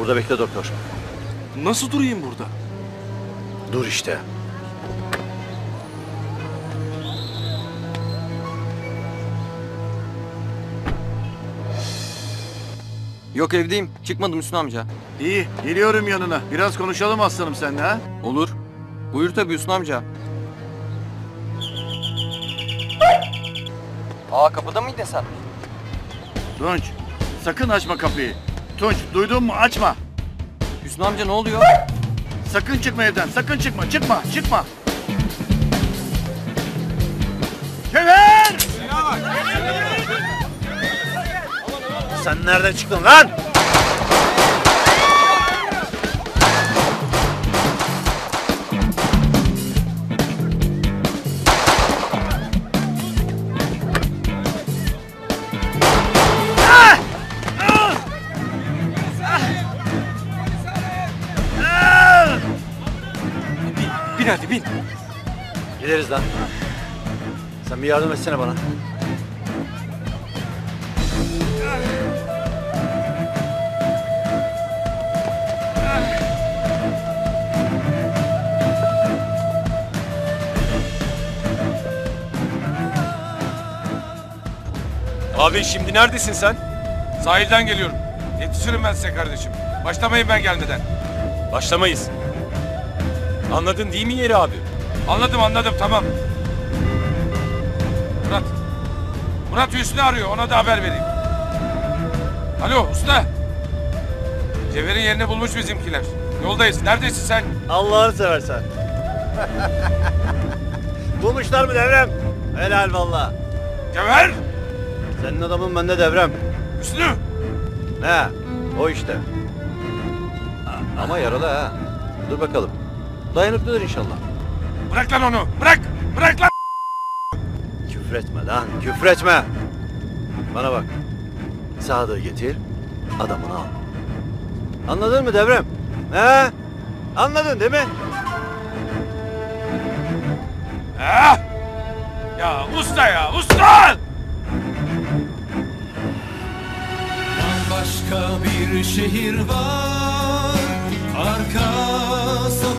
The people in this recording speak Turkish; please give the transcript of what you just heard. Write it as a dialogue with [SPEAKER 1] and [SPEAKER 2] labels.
[SPEAKER 1] Burada bekle doktor.
[SPEAKER 2] Nasıl durayım burada?
[SPEAKER 1] Dur işte.
[SPEAKER 3] Yok evdeyim. Çıkmadım Hüsnü amca.
[SPEAKER 4] İyi, geliyorum yanına. Biraz konuşalım aslanım seninle ha.
[SPEAKER 3] Olur. Buyur tabii Hüsnü amca. Aa kapıda mıydın sen?
[SPEAKER 4] Tunç, sakın açma kapıyı. Tunç, duydun mu? Açma.
[SPEAKER 3] Hüsnü amca ne oluyor?
[SPEAKER 4] Sakın çıkma evden, sakın çıkma. Çıkma. Kever!
[SPEAKER 1] Sen nereden çıktın lan?
[SPEAKER 2] Bin hadi bin.
[SPEAKER 1] Gideriz lan. Sen bir yardım etsene bana.
[SPEAKER 5] Abi şimdi neredesin sen?
[SPEAKER 2] Sahilden geliyorum. Yetişirim ben size kardeşim. Başlamayın ben gelmeden.
[SPEAKER 5] Başlamayız. Anladın değil mi yeri abi?
[SPEAKER 2] Anladım tamam. Murat Hüsnü arıyor, ona da haber vereyim. Alo usta. Cevher'in yerini bulmuş bizimkiler. Yoldayız. Neredesin sen?
[SPEAKER 1] Allah'ını seversen. Bulmuşlar mı Devrem? Helal valla.
[SPEAKER 2] Cevher!
[SPEAKER 1] Senin adamın bende Devrem.
[SPEAKER 2] Hüsnü!
[SPEAKER 1] Ne? O işte. Ama yaralı ha. Dur bakalım. Dayanıklıdır inşallah.
[SPEAKER 2] Bırak lan onu! Bırak lan!
[SPEAKER 1] Küfretme lan, küfretme. Bana bak. Sadığı getir, adamını al. Anladın mı Devrem? He? Anladın değil mi?
[SPEAKER 2] Ah! Ya usta!
[SPEAKER 6] Başka bir şehir var arka